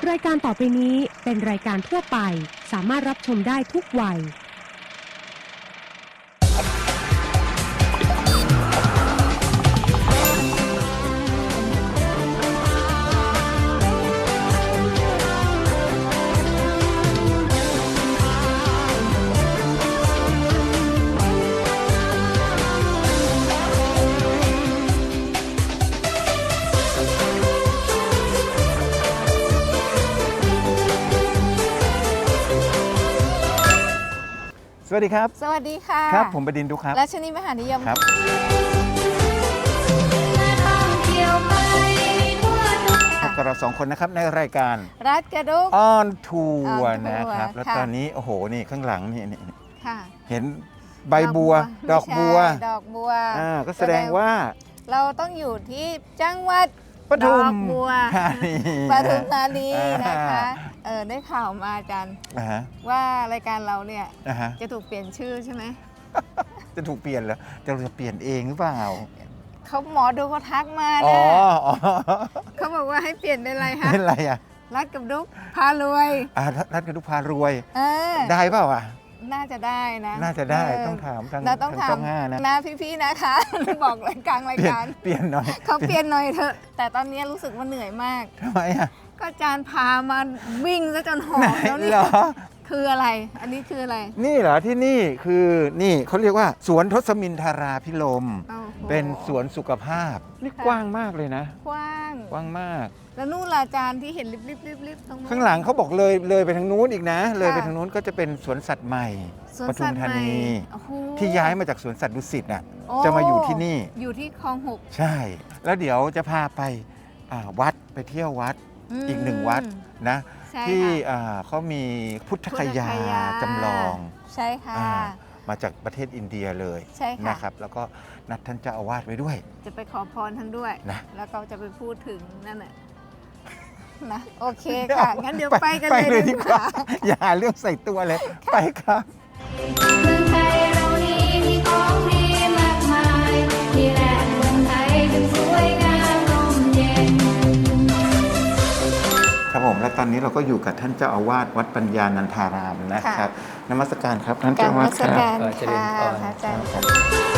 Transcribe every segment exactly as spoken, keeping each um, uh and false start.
รายการต่อไปนี้เป็นรายการทั่วไปสามารถรับชมได้ทุกวัยสวัสดีครับสวัสดีค่ะครับผมบดินทร์ดุครับรัชนีมหานิยมครับพบกับเราสองคนนะครับในรายการรัฐกระดุกออนทัวร์นะครับแล้วตอนนี้โอ้โหนี่ข้างหลังนี่นี่เห็นใบบัวดอกบัวดอกบัวอ่าก็แสดงว่าเราต้องอยู่ที่จังหวัดปทุมธานีปทุมธานีนะคะเออได้ข่าวมาอาจารย์ว่ารายการเราเนี่ยจะถูกเปลี่ยนชื่อใช่ไหมจะถูกเปลี่ยนเหรอจะเราจะเปลี่ยนเองหรือเปล่าเขาหมอดูเขาทักมานะเขาบอกว่าให้เปลี่ยนเป็นอะไรคะเป็นอะไรอ่ะรัฐกับดุกพารวยอ่ารัฐกับดุกพารวยได้เปล่าอ่ะน่าจะได้นะน่าจะได้ต้องถามทางต้องถามนะพี่ๆนะคะบอกรายการรายการเปลี่ยนหน่อยเขาเปลี่ยนหน่อยเถอะแต่ตอนนี้รู้สึกว่าเหนื่อยมากทำไมอ่ะก็อาจารย์พามาวิ่งซะจนหอบแล้วนี่คืออะไรอันนี้คืออะไรนี่เหรอที่นี่คือนี่เขาเรียกว่าสวนทศมินทราภิรมย์เป็นสวนสุขภาพนี่กว้างมากเลยนะกว้างกว้างมากแล้วนู่นอาจารย์ที่เห็นริบๆๆๆตรงนู้นข้างหลังเขาบอกเลยเลยไปทางนู้นอีกนะเลยไปทางนู้นก็จะเป็นสวนสัตว์ใหม่ปทุมธานีที่ย้ายมาจากสวนสัตว์ดุสิตน่ะจะมาอยู่ที่นี่อยู่ที่คลองหกใช่แล้วเดี๋ยวจะพาไปวัดไปเที่ยววัดอีกหนึ่งวัดนะที่เขามีพุทธคยาจำลองใช่ค่ะมาจากประเทศอินเดียเลยนะครับแล้วก็นัดท่านเจ้าอาวาสไว้ด้วยจะไปขอพรท่านด้วยนะแล้วก็จะไปพูดถึงนั่นแหละนะโอเคค่ะงั้นเดี๋ยวไปกันเลยดีกว่าอย่าเรื่องใส่ตัวเลยไปครับเมืองไทยเรานี้มีของดีมากมายนี่แหละเมืองไทยถึงสวยงามร่มเย็นครับผมและตอนนี้เราก็อยู่กับท่านเจ้าอาวาสวัดปัญญานันทารามนะครับนมัสการครับท่านเจ้าอาวาสครับนมัสการค่ะอาจารย์ครับ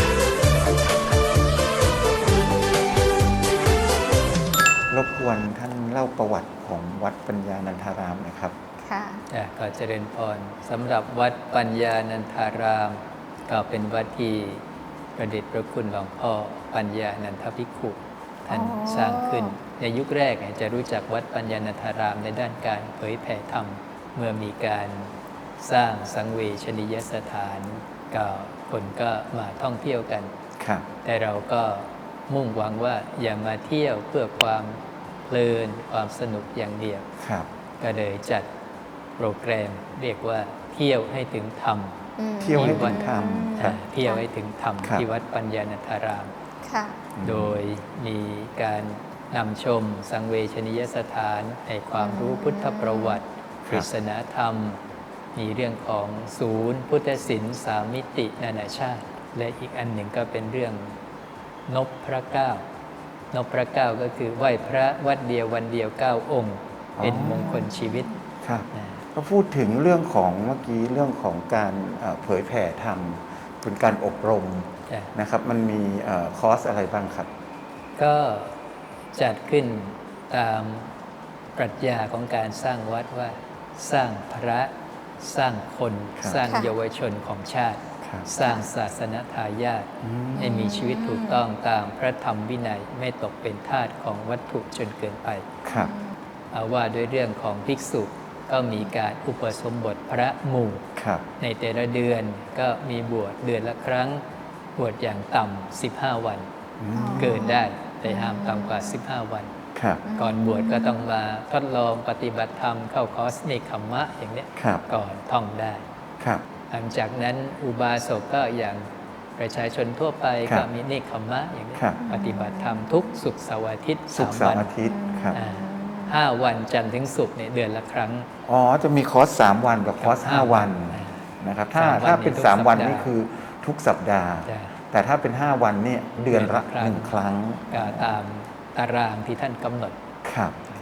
รบกวนท่านเล่าประวัติของวัดปัญญานันทารามหน่อยครับค่ะก็เจริญพรสำหรับวัดปัญญานันทารามก็เป็นวัดที่ประเดชพระคุณหลวงพ่อปัญญานันทภิกขุท่านสร้างขึ้นในยุคแรกจะรู้จักวัดปัญญานันทารามในด้านการเผยแผ่ธรรมเมื่อมีการสร้างสังเวชนียสถานก็คนก็มาท่องเที่ยวกันแต่เราก็มุ่งหวังว่าอย่ามาเที่ยวเพื่อความเพลินความสนุกอย่างเดียวก็เลยจัดโปรแกรมเรียกว่าเที่ยวให้ถึงธรรมเที่ยวให้ถึงธรรมเที่ยวให้ถึงธรรมที่วัดปัญญานันทารามโดยมีการนำชมสังเวชนียสถานให้ความรู้พุทธประวัติปริศนาธรรมมีเรื่องของศูนย์พุทธศิลป์สามมิตินานาชาติและอีกอันหนึ่งก็เป็นเรื่องนพพระเก้านพพระเก้าก็คือไหว้พระวัดเดียววันเดียวเก้าองค์เป็นมงคลชีวิตก็พูดถึงเรื่องของเมื่อกี้เรื่องของการเผยแผ่ธรรมเป็นการอบรมนะครับมันมีคอร์สอะไรบ้างครับก็จัดขึ้นตามปรัชญาของการสร้างวัดว่าสร้างพระสร้างคนสร้างเยาวชนของชาติสร้างศาสนทายาทให้มีชีวิตถูกต้องตามพระธรรมวินัยไม่ตกเป็นทาสของวัตถุจนเกินไปเอาว่าด้วยเรื่องของภิกษุก็มีการอุปสมบทพระหมู่ในแต่ละเดือนก็มีบวชเดือนละครั้งบวชอย่างต่ำสิบห้าวันเกินได้แต่ห้ามต่ำกว่าสิบห้าวันก่อนบวชก็ต้องมาทดลองปฏิบัติธรรมเข้าคอร์สเนคขมมะอย่างนี้ก่อนท่องได้หลังจากนั้นอุบาสกก็อย่างประชาชนทั่วไปก็มีเนคขมมะอย่างนี้ปฏิบัติธรรมทุกศุกร์เสาร์อาทิตย์สามวันห้าวันจันทร์ถึงศุกร์เนี่ยเดือนละครั้งอ๋อจะมีคอร์สสามวันกับคอร์สห้าวันนะครับถ้าถ้าเป็นสามวันนี่คือทุกสัปดาห์แต่ถ้าเป็นห้าวันนี่เดือนละหนึ่งครั้งตามตารางที่ท่านกำหนดครับ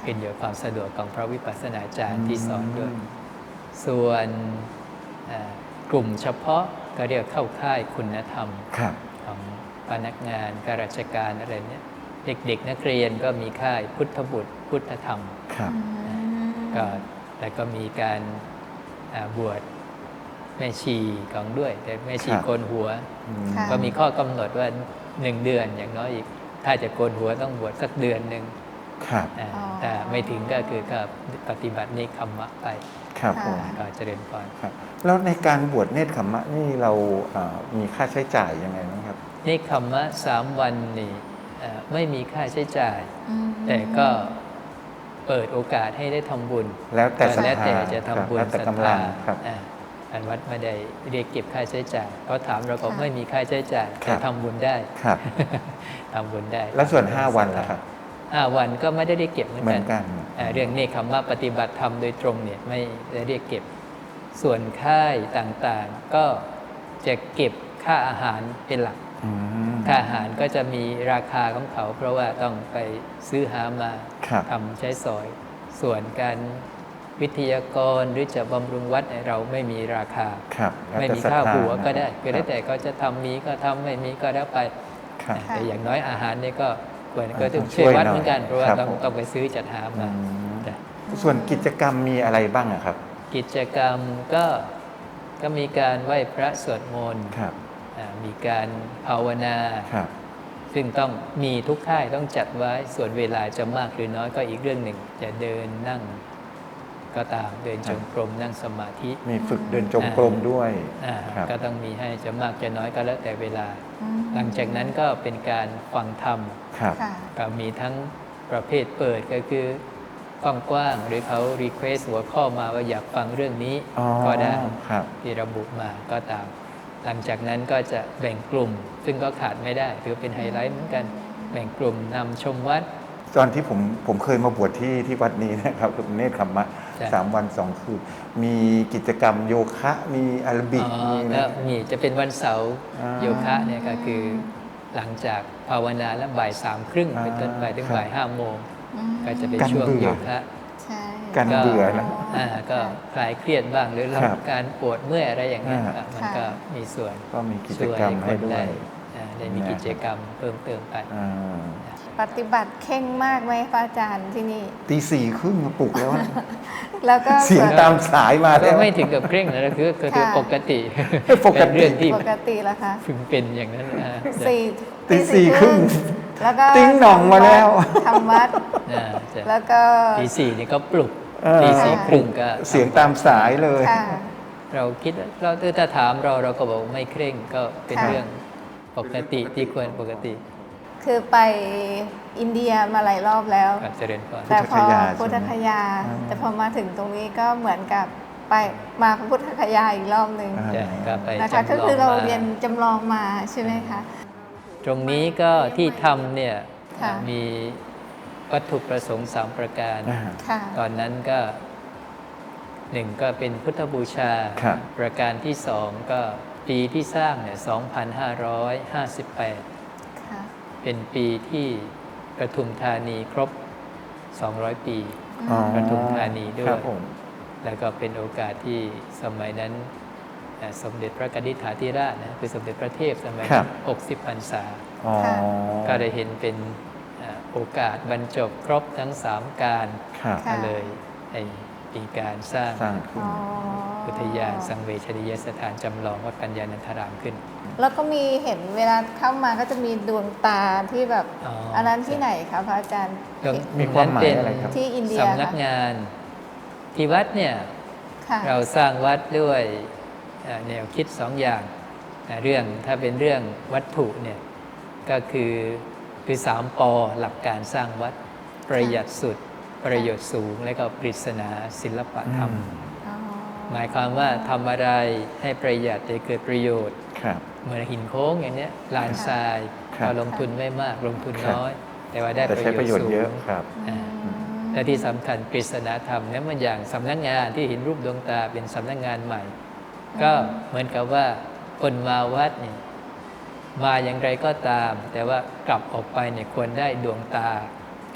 ขึ้นอยู่กับความสะดวกของพระวิปัสสนาจารย์ที่สอนด้วย ส่วนกลุ่มเฉพาะก็เรียกเข้าค่ายคุณธรรมครับของพนักงานข้าราชการอะไรเนี้ยเด็กๆนักเรียนก็มีค่ายพุทธบุตรพุทธธรรมครับก็แล้วก็มีการอ่าบวชแม่ชีของด้วย แต่แม่ชีครับโกนหัวอืมค่ะก็มีข้อกำหนดว่าหนึ่งเดือนอย่างน้อยอีก ถ้าจะโกนหัวต้องบวชสักเดือนหนึ่งครับอ่าอ๋อแต่ไม่ถึงก็คือก็ปฏิบัตินิคัมมะไปครับผมก็เจริญพรครับแล้วในการบวชเนตรขมมะนี่เราเอ่อมีค่าใช้จ่ายยังไงบ้างครับนิคัมมะสามวันนี่เอ่อไม่มีค่าใช้จ่ายอืมแต่ก็เปิดโอกาสให้ได้ทำบุญแล้วแต่ศรัทธาแล้วแต่จะทำบุญครับแล้วแต่ศรัทกำลัธางครับอ่าอันวัดไม่ได้เรียกเก็บค่าใช้จ่ายเขาถามเราก็ค่ะไม่มีค่าใช้จ่ายครัแต่บทำบุญได้ครับทำบุญได้แล้วส่วนห้าวันล่ะครับห้าวันก็ไม่ได้เรียกเก็บเหมือนเหมืกัอน นกันอ่าเรื่องเนคขมมะปฏิบัติธรรมโดยตรงเนี่ยไม่ได้เรียกเก็บ ส่วนค่ายต่างๆ ก็จะเก็บค่าอาหารเป็นหลักอืมค่าอาหารก็จะมีราคาของเขา เพราะว่าต้องไปซื้อหามาครับทำใช้สอย ส่วนการวิทยากรหรือจะบำรุงวัดเนี่ยเราไม่มีราคาครับแล้วไม่แต่มีศรัทค่าธาหัวก็ได้นะก็แล้วแต่ก็จะทำมีก็ทำไม่มีก็แล้วไปครับแต่อย่างน้อยอาหารเนี่ยก็ควรอ่าก็ต้องต้องช่ช่ววย ยวัดหน่อยเหมือนกัน เพราะว่าครับต้องผมต้องไปซื้อจัดหาอืมาม จ้ะส่วนกิจกรรมมีอะไรบ้างอะครับกิจกรรมก็ก็มีการไหว้พระสวดมนต์ครับอ่ามีการภาวนาครับซึ่งต้องมีทุกค่ายต้องจัดไว้ส่วนเวลาจะมากหรือน้อยก็อีกเรื่องหนึ่ง จะเดินนั่งก็ตามเดินจงกรมนั่งสมาธิมีฝึกเดินจงกรมด้วยอ่าครับก็ต้องมีให้จะมากจะน้อยก็แล้วแต่เวลาอืมหลังจากนั้นก็เป็นการฟังธรรมครับค่ะก็มีทั้งประเภทเปิดก็คือกว้างๆหรือเขารีเควสหัวข้อมาว่าอยากฟังเรื่องนี้อ๋อก็ได้ครับที่ระบุมาก็ตาม หลังจากนั้นก็จะแบ่งกลุ่ม ซึ่งก็ขาดไม่ได้ถือเป็นไฮไลท์เหมือนกัน แบ่งกลุ่มนำชมวัดตอนที่ผมผมเคยมาบวชที่ที่วัดนี้นะครับเนตรขมมะจ้ะสามวันสองคืนมีกิจกรรมโยคะ มีอาราบิกอ๋อมีก็นะมีจะเป็นวันเสาร์อ่าโยคะเนี่ยก็คือหลังจากภาวนาแล้วบ่ายสามครึ่งอ่าเป็นต้นไปถึงครับบ่ายห้าโมงอืมก็จะเป็นกันช่วงเบื่อโยคะใช่กัน เบื่อนะอ่าก็คลายเครียดบ้างหรือลครัดบการปวดเมื่อยอะไรอย่างเงี้ยอ่าอ่ะมันก็มีส่วนก็มีกิจกรรมให้ด้วยอ่าได้มีกิจกรรมเพิ่มเติมไปอ่าปฏิบัติเข่งมากไหมพระอาจารย์ที่นี่ตีสี่ครึ่งปลุกแล้วนะแล้วก็เสียงตามสายมาก็แล้วไม่ถึงกับเคร่งนะคือคือคือค่ะปกติปกติเป็นเรื่องที่ปกติแล้วคะพึงเป็นอย่างนั้นอ่าสี่ตีสี่ครึ่งแล้วก็ติ๊งหน่องมาแล้วทำวัดอ่าจะแล้วก็ตีสี่นี่ก็ปลุกเออตีสี่ครึ่งก็เสียงตามสายเลยค่ะเราคิดว่าเราถ้าถามเราเราก็บอกไม่เคร่งก็เป็นค่ะเรื่องปกติที่ควรปกติคือไปอินเดียมาหลายรอบแล้วก็เจริญพรแต่พอพุทธคยาพุทธคยาใช่ไหมแต่พอมาถึงตรงนี้ก็เหมือนกับไปมาพุทธคยาอีกรอบหนึ่งอ่าจะก็ไปนะคะจำลก็องคือเรามาเรียนจำลองมาใช่ไหมคะตรงนี้ก็ที่ทำเนี่ยค่ะมีวัตถุประสงค์สามประการอ่าค่ะตอนนั้นก็หนึ่งก็เป็นพุทธบูชาครับประการที่สองก็ปีที่สร้างเนี่ยสองพันห้าร้อยห้าสิบแปดค่ะเป็นปีที่ปทุมธานีครบ สองร้อย ปีอ๋อปทุมธานีด้วครัยบผมแล้วก็เป็นโอกาสที่สมัยนั้นเอ่อสมเด็จพระกนิษฐาธิราชนะคือสมเด็จพระเทพสมัยครันั้บนหกสิบพรรษาอ๋อค่ะก็ได้เห็นเป็นเอ่อโอกาสบรรจบครบทั้งสามการครับค่ะก็เลยให้มีการสร้างสร้างขึ้นอ๋ออุทยานสังเวชนียสถานจำลองวัดปัญญานันทารามขึ้นแล้วก็มีเห็นเวลาเข้ามาก็จะมีดวงตาที่แบบอ๋ออัอันนั้นที่ไหนคะพระอาจารย์ตรงมีความหมายอะไรครับที่อินเดียสำนักงานที่วัดเนี่ยค่ะเราสร้างวัดด้วยเอ่อแนวคิดสองอย่างเอ่อเรื่องถ้าเป็นเรื่องวัตถุเนี่ยก็คือคือสามปอหลักการสร้างวัดประหยัดสุดประโยชน์สูง และก็ปริศนาศิลปะธรรมอ๋อหมายความว่าทำอะไรให้ประหยัดแต่เกิดประโยชน์ครับเหมือนหินโค้งอย่างเนี้ยลานทรายครับเราลงทุนไม่มากลงทุนครับน้อย แต่ว่าได้แต่ประใช้โยปชระโยชน์สูน์เยอะงครับอืมและที่สำคัญปริศนาธรรมเนี่ยมันอย่างสำนักงานที่เห็นรูปดวงตาเป็นสำนักงานใหม่ ก็เหมือนกับว่าคนมาวัดเนี่ยมาอย่างไรก็ตาม แต่ว่ากลับออกไปเนี่ยควรได้ดวงตา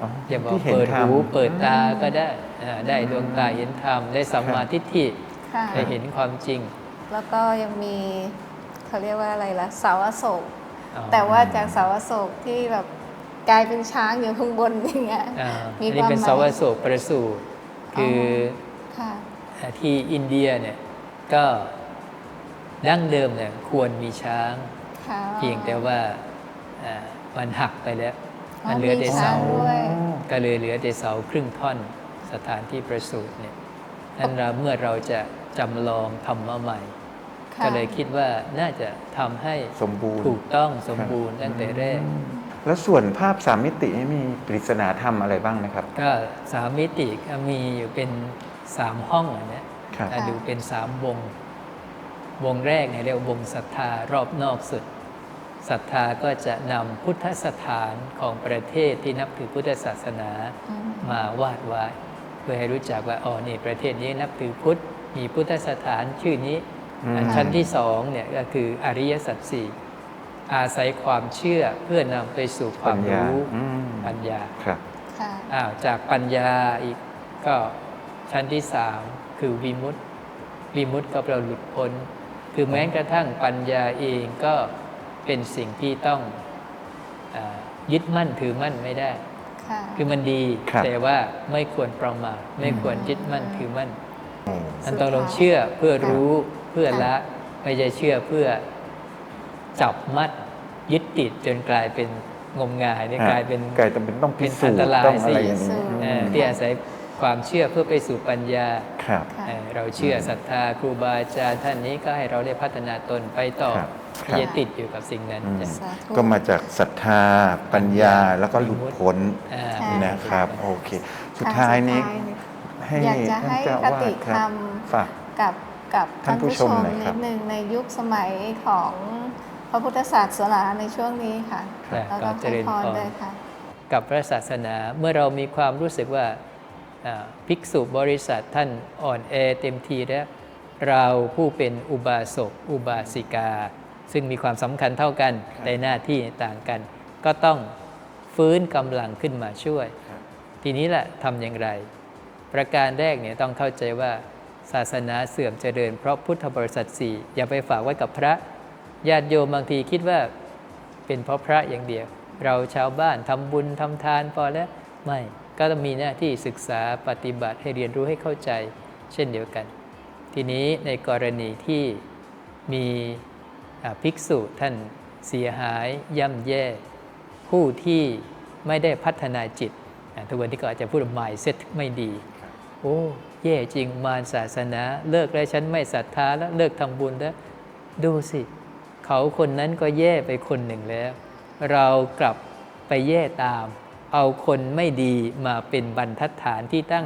อ๋อจะบอกที่เห็นเปิดธรรมหูเปิดตาก็ได้อ่าได้ดวงตาเห็นธรรม ได้สัมมาทิฏฐิค่ะได้เห็นความจริงแล้วก็ยังมีเขาเรียกว่าอะไรล่ะเสาอโศกอ๋อแต่ว่าจากเสาอโศกที่แบบกลายเป็นช้างอยู่ข้างบนอย่างเงี้ยอ่ามีอันนี้ความเป็นหมายสาวโศกประสูตรคือค่ะอ่าที่อินเดียเนี่ยก็ดั้งเดิมเนี่ยควรมีช้างค่ะเพียงแต่ว่าอ่ามันหักไปแล้วอ๋อมันเหลือแต่มีช้าเสางด้วยก็เลยเหลือแต่เสาครึ่งท่อนสถานที่ประสูติเนี่ยนั้นเราเมื่อเราจะจำลองทำมาใหม่ค่ะก็เลยคิดว่าน่าจะทำให้สมบูรณ์ถูกต้องสมบูรณ์ตั้งแต่แรกแล้วส่วนภาพสามมิตินี่มีปริศนาธรรมอะไรบ้างนะครับก็สามมิติก็มีอยู่เป็นสามห้องอันเนี้ยครับอ่ะดูเป็นสามวง วงแรกเนี่ยเรียกว่าวงศรัทธารอบนอกสุดศรัทธาก็จะนำพุทธสถานของประเทศที่นับถือพุทธศาสนาอืมมาวาดไว้เพื่อให้รู้จักว่าอ๋อนี่ประเทศนี้นับถือพุทธมีพุทธสถานชื่อนี้อืมอันชั้นที่สองเนี่ยก็คืออริยสัจสี่อาศัยความเชื่อเพื่อนำไปสู่ความรู้อืมปัญญาครับค่ะอ้าวจากปัญญาอีกก็ชั้นที่สามคือวิมุตติวิมุตติก็แปลว่าหลุดพ้น คือแม้กระทั่งปัญญาเองก็เป็นสิ่งที่ต้องอายึดมั่นถือมั่นไม่ได้ค่ะคือมันดีครับแต่ว่าไม่ควรประมาทไม่ควรยึดมั่นถือมั่นอืมมันต้องลงเชื่อเพื่อรู้เพื่อละไม่ใช่เชื่อเพื่อจับมัดยึดติดจนกลายเป็นงมงายนี่กลายเป็นกลายเป็นต้องพิสูจเป็นอันตน์รายต้องอะไรอย่างสินี้เอ่อที่อาศัยความเชื่อเพื่อไปสู่ปัญญาครับค่ะเอ่อเราเชื่อศรัทธาครูบาอาจารย์ท่านนี้ก็ให้เราได้พัฒนาตนไปต่อครับไม่อย่าติดอยู่กับสิ่งนั้นอืมจ้ะสาธุก็มาจากศรัทธาปัญญาแล้วก็หลุดพ้นอ่าใช่นะครับ โอเค สุดท้ายนี้ให้อยากจะให้ท่านเจ้าคอาวาติสคธรรัรบมฝากกับกับท่าท่าน นผู้ผู้ชชมมหน่อยคนิรับดนึงในยุคสมัยของพระพุทธศาสนาในช่วงนี้ค่ะครับแล้วก็ก็เจให้ริญพพรรเลยค่ะกับพระศาสนาเมื่อเรามีความรู้สึกว่าอ่าภิกษุบริษัทท่านอ่อนแอเต็มทีแล้วเราผู้เป็นอุบาสกอุบาสิกา ซึ่งมีความสำคัญเท่ากันแต่หน้าที่ต่างกัน ก็ต้องฟื้นกำลังขึ้นมาช่วย ทีนี้แหละทำอย่างไร ประการแรกเนี่ยต้องเข้าใจว่าศาสนาเสื่อมเจริญเพราะพุทธบริษัทสี่อย่าไปฝากไว้กับพระญาติโยมบางทีคิดว่าเป็นเพราะพระอย่างเดียว เราชาวบ้านทำบุญทำทานพอแล้วไม่ก็ต้องมีหน้าที่ศึกษาปฏิบัติให้เรียนรู้ให้เข้าใจเช่นเดียวกัน ทีนี้ในกรณีที่มีอ่าภิกษุท่านเสียหายย่ำแย่ ผู้ที่ไม่ได้พัฒนาจิตอ่าทุกวันที่ก็อาจจะพูดว่า mindset ไม่ดี โอ้แย่จริงมารศาสนาเลิกแล้วฉันไม่ศรัทธาแล้วเลิกทำบุญแล้วดูสิ เขาคนนั้นก็แย่ไปคนหนึ่งแล้ว เรากลับไปแย่ตาม เอาคนไม่ดีมาเป็นบรรทัดฐานที่ตั้ง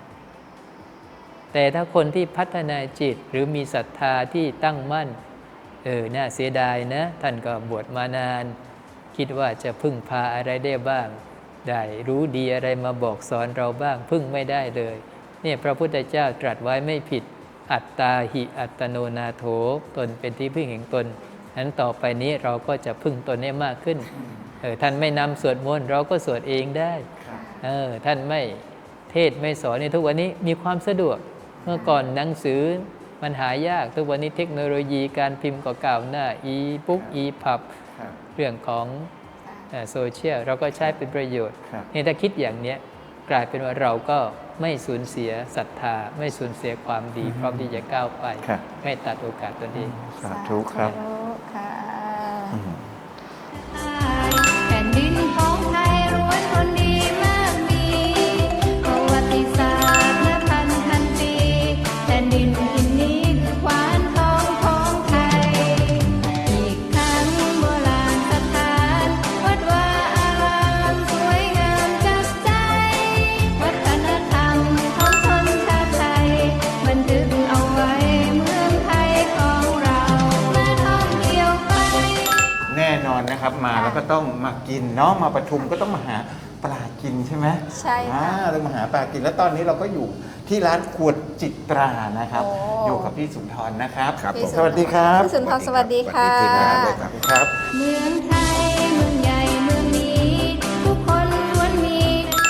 แต่ถ้าคนที่พัฒนาจิตหรือมีศรัทธาที่ตั้งมั่นเออน่าเสียดายนะ ท่านก็บวชมานาน คิดว่าจะพึ่งพาอะไรได้บ้าง ได้รู้ดีอะไรมาบอกสอนเราบ้าง พึ่งไม่ได้เลยเนี่ยพระพุทธเจ้าตรัสไว้ไม่ผิด อัตตาหิอัตโนนาโถตนเป็นที่พึ่งแห่งตนนั้นต่อไปนี้เราก็จะพึ่งตนให้มากขึ้นเออท่านไม่นำสวดมนต์เราก็สวดเองได้เออท่านไม่เทศไม่สอนในทุกวันนี้มีความสะดวก เมื่อก่อนหนังสือมันหายากทุกวันนี้เทคโนโลยีการพิมพ์ก็ก้าวหน้าอีบุ๊กอีพับเรื่องของโซเชียลเราก็ใช้เป็นประโยชน์ครับนี่ถ้าคิดอย่างเนี้ยกลายเป็นว่าเราก็ไม่สูญเสียศรัทธา ไม่สูญเสียความดี พร้อมที่จะก้าวไปครับไม่ตัดโอกาสตนเองสาธุครับสาธุค่ะอืมแผ่นดินของไทยล้วนคนดีมากมีประวัติศาสตร์และพันพันปีแผ่นดินอินนี้คือขวานทองของไทย อีกทั้งโบราณสถานวัดวาอารามสวยงามจับใจ วัฒนธรรมของชนชาติไทยบันทึกเอาไว้เมืองไทยของเรามาท่องเที่ยวไปแน่นอนนะครับมาแล้วก็ต้องมากินเนาะมาประชุมก็ต้องมาหาปลากินใช่ไหมใช่ค่ะอ่าต้องมาหาปลากินแล้วตอนนี้เราก็อยู่ที่ร้านขวดจิตรานะครับโอ้อยู่กับพี่สุนทรนะครับครับพี่สวัสดีครับพี่สุนทรสวัสดีค่ะสวัสดีทีมงานด้วยครับครับเมืองไทยเมืองใหญ่เมืองนี้ ทุกคนล้วนมี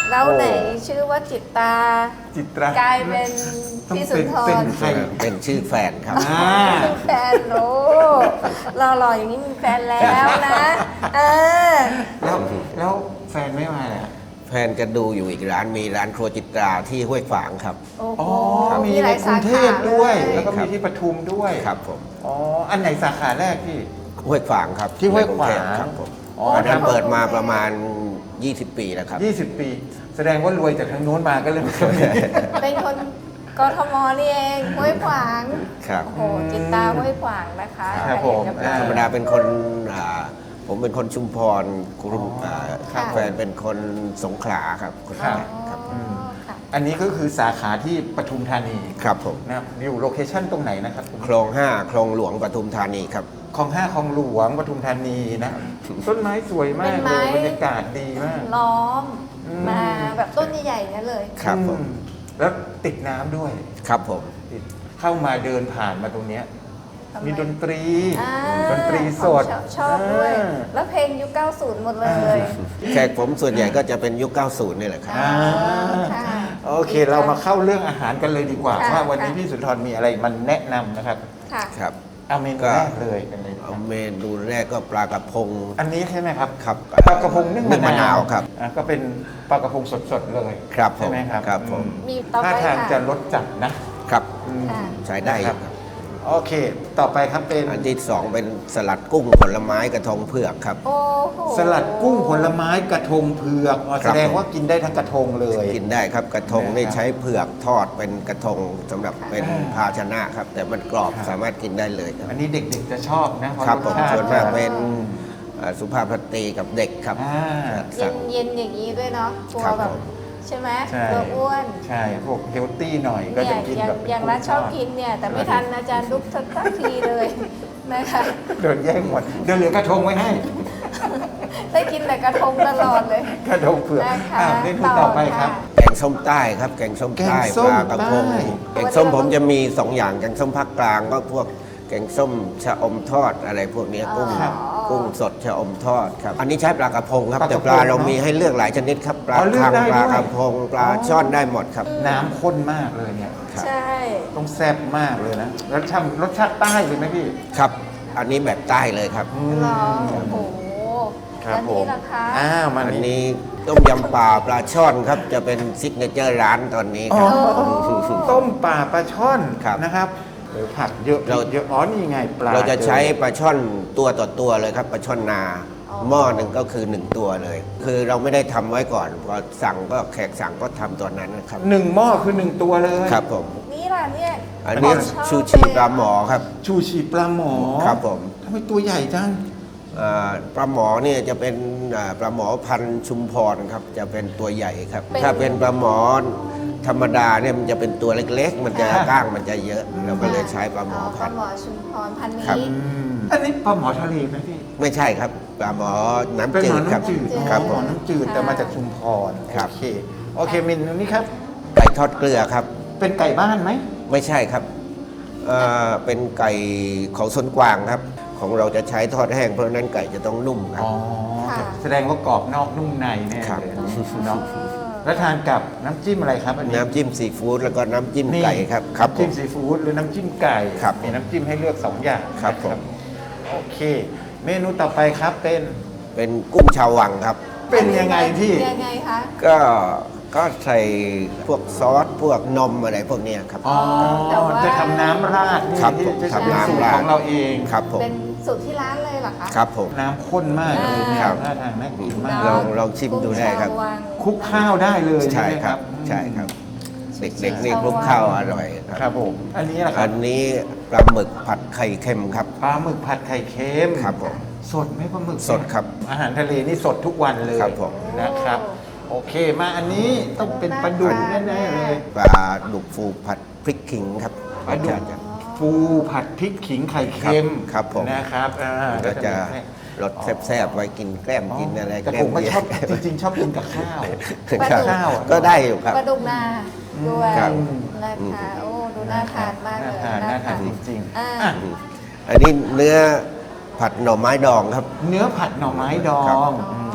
แล้วไหนชื่อว่าจิตตาจิตรากลายเป็นต้องพี่สุเป็นนทเป็นรใครเป็นชื่อแฟนครับอ่าเป็นแฟนโอ้หล่อๆอย่างนี้มีแฟนแล้วนะเออแล้วแล้วแฟนไม่มาเลยอะแฟนจะดูอยู่อีกร้านมีร้านครัวจิตราที่ห้วยขวางครับโอ้โหอ๋อมีหในลายกรุสางเทขาพด้วยเลแล้วก็ครัมีบที่ปทุมด้วยครับผมอ๋ออันไหนสาขาแรกพี่ห้วยขวางครับที่ห้วยขวางในกรุเทพครับผมอ๋ออันนั้นเปิดมาประมาณ ยี่สิบ ปีแล้วครับยี่สิบปี แสดงว่ารวยจากทางโน้นมาก็เลยมาตรงนี้เป็นคนกทมนี่เองห้วยขวางครับโอ้โหจิตตาห้วยขวางนะคะครับผมใครอยากจะไปธรรมดาเป็นคนอ่าผมเป็นคนชุมพรคุณอ๋ออ่าค่ะแฟนเป็นคนสงขลาครับคนครับนั้นครับอ๋อค่ะอันนี้ก็คือสาขาที่ปทุมธานีครับผมนะครับอยู่โลเคชั่นตรงไหนนะครับคลองห้าคลองหลวงปทุมธานีครับคลองห้าคลองหลวงปทุมธานีนะ ต้นไม้สวยมากเป็นเลไม้ยบรรยากาศดีมากล้อมอืมมาแบบต้นใหญ่ๆนั่นเลยครับผมอืแล้วติดน้ำด้วยครับผมติดเข้ามาเดินผ่านมาตรงเนี้ยทำไมมีดนตรีอ่าดนตรีสดชอบชอบด้วยอ่าแล้วเพลงยุคเก้าสิบหมดเลยแขกผมส่วนใหญ่ก็จะเป็นยุค เก้าสิบ นี่แหละครับอ่าค่ะโอเค เรามาเข้าเรื่องอาหารกันเลยดีกว่าค่ะว่าวันนี้ค่ะพี่สุนทรมีอะไรมันแนะนำนะครับค่ะครับเอาเมนูก็แรกเลยเป็นอะไรดีคเอารับเมนูแรกก็ปลากระพงอันนี้ใช่ไหมครับครับปลากระพงนึ่งนึ่งมะมะนานาว วครับอ่ะก็เป็นปลากระพงสดๆเลยครับผมใช่ไหมครับครับผมอืมีต่อไปท่าทางค่ะจะรสจัดนะครับ อืมค่ะใช้ได้อยู่ครับโอเค ต่อไปครับเป็นอันที่สองเป็นสลัดกุ้งผลไม้กระทงเผือกครับโอ้โหสลัดกุ้งผลไม้กระทงเผือกอ๋อครัแสบดงว่ากินได้ทั้งกระทงเลยกินได้ครับกระทงนี่นะครับใช้เผือกทอดเป็นกระทงสำหรับเป็นภาชนะครับ แต่มันกรอบครับสามารถกินได้เลยครับอันนี้เด็กๆจะชอบนะเพาะครับผมสชติส่วนมากเป็นอืมอ่าสุภาพสตรีกับเด็กครับอ่าเย็สั่นงเย็นๆอย่างนี้ด้วยเนาะกลัวครับแบบผมใช่ไหมใช่กลัวอ้วนใช่ พวกเฮลตี้หน่อยก็เนี่จะยกินอย่างแบบเป็นอย่างรัฐชอบกินเนี่ย แต่ไม่ทันอาจารย์ลุกสักสักทีเลยนะคะเดินแย่งหมดเดี๋ยวเหลือกระทงไว้ให้ได้กินแต่กระทงตลอดเลยกระทงเผือกนะคะอ่าเมนูต่อไปครับแกงส้มใต้ครับ แกงส้มใต้แกงส้ปมลากระพงใต้แกงส้มผมจะมีสองอย่างแกงส้มภาคกลางก็พวกแกงส้มชะอมทอดอะไรพวกเนี้ยกุ้งครับกุ้งสดชะอมทอดครับ อันนี้ใช้ปลากระพงครับปลากแต่ระพงปลาเราเนอะมีให้เลือกหลายชนิดครับปลาอ๋อเลือกคังได้ปลาด้วยกระพงปลาช่อนได้หมดครับน้ำข้นมากเลยเนี่ยครับใช่ต้องแซ่บมากเลยนะรสชาติรสชาติใต้เลยไหมพี่ครับ อันนี้แบบใต้เลยครับรอโอ้โหครับอันผนี้มราคาอ้าวมาอันนี้นี้ต้มยำปลาปลาช่อนครับ จะเป็นซิกเนเจอร์ร้านตอนนี้อ๋คอรับต้มป่าปลาช่อนครับนะครับโอ้ผักเยอะเราเยอะอ๋อนี่ไงปลาเราจะใช้ปลาช่อนตัวต่อตัวเลยครับปลาช่อนนาอ๋อหม้อหนึ่งก็คือหนึ่งตัวเลย คือเราไม่ได้ทำไว้ก่อนพอสั่งก็แขกสั่งก็ทำตัวนั้นนะครับหนึ่งหม้อคือหนึ่งตัวเลยครับผมนี่ล่ะเนี่ยอันนี้ผมชอบชูชีปลาหมอครับชูชีปลาหมอครับผมทำไมตัวใหญ่จังอ่าปลาหมอเนี่ยจะเป็นอ่าปลาหมอพันธุ์ชุมพรครับจะเป็นตัวใหญ่ครับเป็นถ้าเป็นปลาหมอธรรมดาเนี่ยมันจะเป็นตัวเล็กๆ มันจะค่ะก้างมันจะเยอะ เราก็เลยใช้ปลาหมอปพัลานธุ์หมอชุมพรพันธุ์ครับนี้อันนี้ปลาหมอทะเลไหมพี่ไม่ใช่ครับปลาหมอเป็นน้ำหจืมอดครับน้ำจืดครับหผมอมน้ำจืดแต่มาจากชุมพรครับโอเคโอเคเมนูนี้ครับไก่ทอดเกลือครับเป็นไก่บ้านไหมไม่ใช่ครับเอ่อเป็นไก่ของสวนกวางครับ ของเราจะใช้ทอดแห้งเพราะฉะนั้นไก่จะต้องนุ่มครับอ๋อค่ะแสดงว่ากรอบนอกนุ่มในแน่ครับเลยเนาะแล้วทานกับน้ำจิ้มอะไรครับอันนี้น้ำจิ้มซีฟู้ดแล้วก็น้ำจิ้มนี่ไก่ครับครับผน้ำจิ้มมซีฟู้ดหรือน้ำจิ้มไก่ครับมีน้ำจิ้มให้เลือกสองอย่างครับนะผมโอเค เมนูต่อไปครับเป็นเป็นกุ้งชาววังครับเป็นยังไงพี่ยังไงคะก็ก็ใส่พวกซอสพวกนมอะไรพวกเนี้ยครับอ๋อแต่ว่าจะทำน้ำราดนี่ครับที่ผมจะทำน้ำสูตรราดของเราเองครับผมเป็นสูตรที่ร้านเลยเหรอคะครับผมน้ำข้นมากเลยเนี่ยครับน่าทานน่ากินมากลองลองชิมดูได้ครับกุ้งชาววังคลุกข้าวได้เลยใช่ไหมครับอืมใช่ครับ เด็กๆนี่คลุกข้าวอร่อยคครัรับ บผม อันนี้ล่ะครัอับนนี้ปลาหมึกผัดไข่เค็มครับปลาหมึกผัดไข่เค็มครับผมสดไหมปลาหมึกสดครับอาหารทะเลนี่สดทุกวันเลยครับผมนะครับ โอเคมาอันนี้ต้องเป็นปลาดุกแน่ๆเลยปลาดุกฟูผัดพริกขิงครับปลาดุกจะฟูผัดพริกขิงไข่เค็มครับผมนะครับอ่าก็จะให้รสแซ่บๆไว้กินแกล้มกินอะไรแต่แกล้ผม มก็เยชอบจริงๆ ชอบกินกับข้าวครับข้าวอะก็ได้อยู่ครับปลาดุกนาด้วยครับนะคะโอ้ดูน่าทานมากเลยน่าทานน่าทานจริงอ่าๆอ่ะอันนี้เนื้อผัดหน่อไม้ดองครับเนื้อผัดหน่อไม้ดอครับงอืม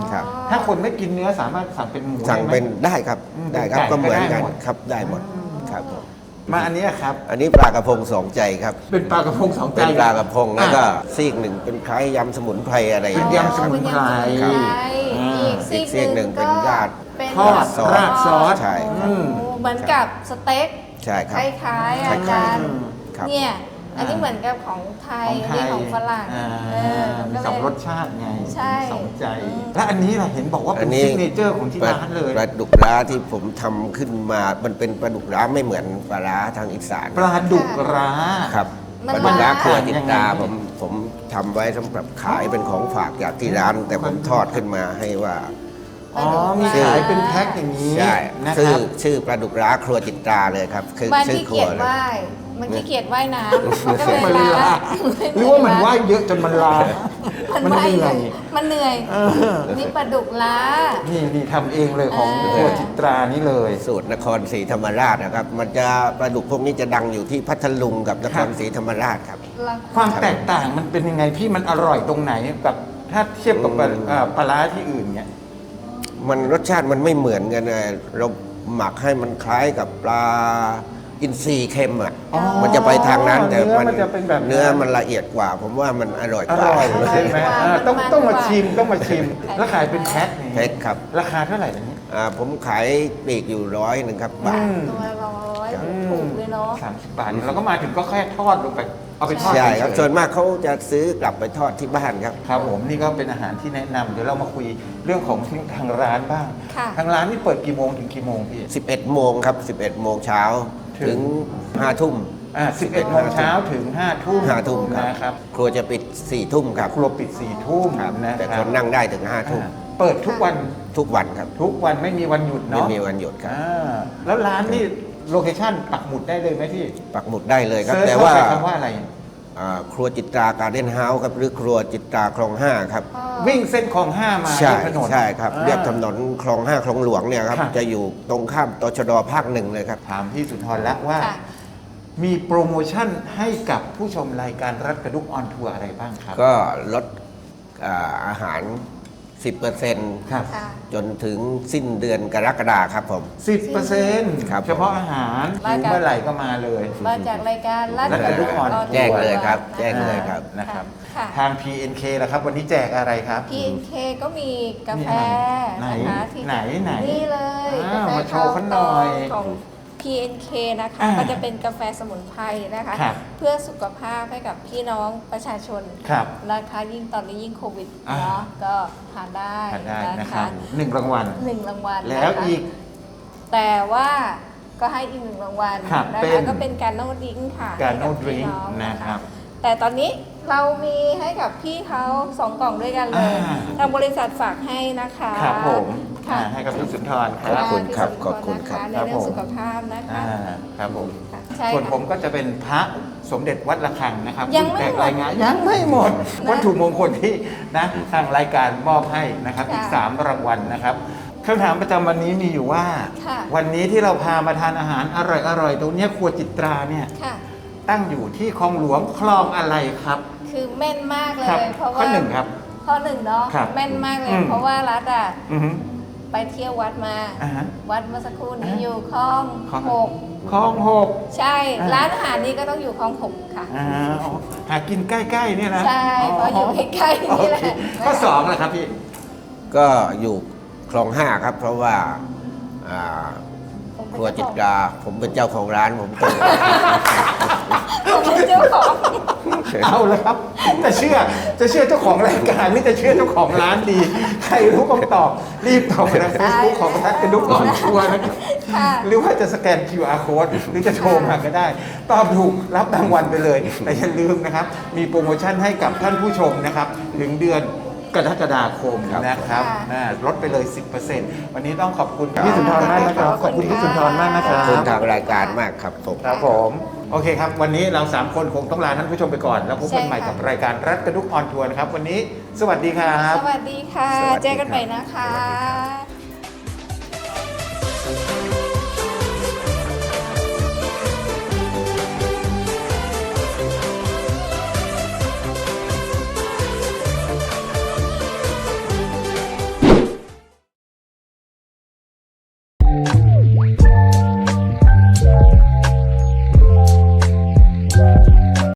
ครับถ้าคนไม่กินเนื้อสามารถสั่งเป็นหมูสั่งได้ไหมเป็นได้ครับอืมได้ครับเป็นไก่ก็เหมือนก็ได้กันหมดครับได้หมดครับผมมาอันนี้ครับอันนี้ปลากระพงสองใจครับเป็นปลากระพงสองใจเป็นปลากระพงแล้วก็อ่ะซีกหนึ่งเป็นคล้ายยำสมุนไพรอะไรอเป็ย่าน งเงี้ยยำสมุนไพรครับอ่าอีกอีกซีกหนึ่งเป็นราดเป็นทอดซอสราดซอสใช่ครับอืมเหมือนกับสเต็กใช่คครับ ล้ายๆคล้าอายๆจารย์ครับเนี่ย อันนี้เหมือนกับของไทยของไทนี่ยของฝรั่งอ่าเออมีก็สองเลยรสชาติไงใช่สองใจอืมและอันนี้ล่ะเห็นบอกว่าเป็นซิกเนเจอร์ของที่ร้านเลยปลาดุกร้าที่ผมทำขึ้นมา มันเป็นปลาดุกร้าไม่เหมือนปลาร้าทางอีสานปลาดุกร้าครับมันปลาดุกร้าร้าครัวจิตตายังไงผมผมทำไว้สำหรับขายเป็นของฝากจากที่ร้าน แต่ผมทอดขึ้นมาให้ว่าอ๋อมีขายเป็นแพ็คอย่างนี้ใช่นะคชื่อรับชื่อปลาดุกร้าครัวจิตตาเลยครับ คือมันชื่อขี้ครัเกีวยจเลยว่ายมันขี้เกียจว่ายน้ำมันก็เลยมันเลยล้าลาหรือว่ามันว่ายเยอะจนมันลามันมันว่ายเหนื่อยมันเหนื่อยเออนี่ปลาดุกล้านี่นี่ทำเองเลยของเออครัวจิตรานี่เลยสูตรนครศรีธรรมราชนะครับ มันจะปลาดุกพวกนี้จะดังอยู่ที่พัทลุงกับนครศรีธรรมราชครับความแตกต่างมันเป็นยังไงพี่มันอร่อยตรงไหนกับถ้าเทียบกับปลาอืมเอ่อปลาร้าที่อื่นเนี่ยมันรสชาติมันไม่เหมือนกันเลยเราหมักให้มันคล้ายกับปลาอินทรีเค็มอ่ะอ๋อมันจะไปทางนั้นแต่เนื้อมันจะเป็นแบบนั้นเนื้อมันละเอียดกว่า ผมว่ามันอร่อยอกว่าร่อยใช่ไหมอร่อยกว่าอ่าต้องมันต้องมามันชิมต้องมาชิม แล้วขายเป็นแพ็คนี่แพ็คครับราคาเท่าไหร่ล่ะนี้อ่าผมขายปลีกอยู่ร้อยหนึ่งครับบาทอืมตัวละร้อยครับถูกเลยเนาะสามสิบบาทเราก็มาถึงก็แค่ทอดลงไป เอาไปทอดใช่ครับเฉยๆส่วนมากเขาจะซื้อกลับไปทอดที่บ้านครับครับผมนี่ก็เป็นอาหารที่แนะนำเดี๋ยวเรามาคุยเรื่องของทางร้านบ้างค่ะทางร้านนี่เปิดกี่โมงถึงกี่โมงพี่สิบเอ็ดโมงครับสิบเอ็ดโมงเช้าถึถึงงห้าทุ่มอ่าสิบเอ็ดโมงเช้าถึงห้าทุ่มห้าทุ่มครับนะครับครัวจะปิดสี่ทุ่มครับครัวปิดสี่ทุ่มครับนะแต่คครับ นนั่งได้ถึงห้าทุ่มอ่าเปิดทุกวันทุกวันครับทุกวันไม่มีวันหยุดไม่เนาะมีวันหยุดครับอ่าแล้วร้านนี่โลเคชั่นปักหมุดได้เลยไหมพี่ปักหมุดได้เลยครับเซิร์ชแต่ว่าเข้ไปคำว่าอะไรอ่าครัวจิตราการเด้นเฮาส์ครับหรือครัวจิตราคลองห้าครับวิ่งเส้นคลองห้ามาใช่เรียบถนนใช่ครับอ่าเรียบถนนคลองห้าคลองหลวงเนี่ยครับค่ะจะอยู่ตรงข้ามตชดภาคหนึ่งเลยครับถามพี่สุนทรแล้วว่าค่ะมีโปรโมชั่นให้กับผู้ชมรายการรัฐกระดุกออนทัวร์อะไรบ้างครับก็ลดอ่าอาหาร สิบเปอร์เซ็นต์ครับค่ะจนถึงสิ้นเดือนกรกฎาครับผมสิบเปอร์เซ็นต์ครับเฉพาะอาหารมาหิวจากเมื่อไหร่ก็มาเลยมาจากรายการรัฐรัฐกระดุกออนแจ้งเลยครับแจ้งเลยครับนะครับค่ะทาง พี เอ็น เค ล่ะครับ วันนี้แจกอะไรครับพี เอ็น เค ก็มีกาแฟไหนนะคะที่ไหนไหนนี่เลยอ่ากาแฟมาโชว์เขาหน่อยของ พี เอ็น เค นะคะอ่าก็จะเป็นกาแฟสมุนไพรนะคะครับเพื่อสุขภาพให้กับพี่น้องประชาชนครับนะคะยิ่งตอนนี้ยิ่งโควิดอ่าเนาะก็ทานได้ทานได้นะนะครัคะบหนึ่งรางวัลหนึ่งรางวัลแล้วนะคะอีกแต่ว่าก็ให้อีกหนึ่งรางวัลครับนะเป็คะนก็เป็นการโน้ดดิ้งค่ะการโน้ให้ดบดริงพี่ก์องนะครับแต่ตอนนี้เรามีให้กับพี่เขาสองกล่องด้วยกันเลยอ่าทางบริษัทฝากให้นะคะครับผมค่ะอ่าให้กับพี่สุนทรคขอบรับคุณครับพี่สุนทขอบคุณครับนะะในครับเรื่องผมสุขภาพนะคะอ่าครับผมค่ะใช่ส่วนค่ะผมก็จะเป็นพระสมเด็จวัดระฆังนะครับยังไม่แตกหมดรายงานยังไม่หมดนะวัตถุมงคลที่นะทางรายการมอบให้นะครับค่ะอีกสามรางวัลนะครับคำถามประจำวันนี้มีอยู่ว่าค่ะวันนี้ที่เราพามาทานอาหารอร่อยๆตรงเนี้ยครัวจิตราเนี่ยค่ะตั้งอยู่ที่คลองหลวงคลองอะไรครับคือแม่นมากเลครับย เพราะข้ว่าอหนึ่งครับข้อหนึ่งเนาะครับแม่นมากเลอืยมเพราะว่ารัฐอ่ะอือฮึไปเที่ยววัดมาอ่าฮะวัดเมื่อสักครู่นี้อ่าอยู่คลองคลองหกคลองหกใช่อ่าร้านอาหารนี้ก็ต้องอยู่คลองหกค่ะอ่าอ๋อหากินใกล้ๆเนี่ยนะใช่เพราะอยู่ใกล้ๆนี่แหละโอเคข้อสองเลยครับพี่ก็อยู่คลองห้าครับ เพราะว่าอ่าครัวจิตราผมเป็นเจ้าของร้านผมเจอผมเป็นเจ้าของเอาแล้วครับ จะเชื่อจะเชื่อเจ้าของรายการหรือจะเชื่อเจ้าของร้านดี ใครรู้คำตอบ รีบตอบไปทางเฟซบุ๊กของทัศน์กระดุกก่อนทัวร์นะครับค่ะหรือว่าจะสแกน คิว อาร์ Code หรือจะโทรมาก็ได้ ตอบถูกรับรางวัลไปเลย แต่อย่าลืมนะครับ มีโปรโมชั่นให้กับท่านผู้ชมนะครับ ถึงเดือนกรกฎาคมนะครับค่ะอ่าลดไปเลย สิบเปอร์เซ็นต์ วันนี้ต้องขอบคุณพี่สุนทรมากนะครับ ขอบคุณพี่สุนทรมากนะคขรัอบบคุณทางรายการมากครับผมครับผม โอเคครับ วันนี้เราสามคนคงต้องลาท่านผู้ชมไปก่อน แล้วพบกันใหม่กับรายการรัฐกระดุกออนทัวร์นะครับ วันนี้สวัสดีครับสวัสดีค่ะสวัสดีครับเจอกันใหม่นะคะ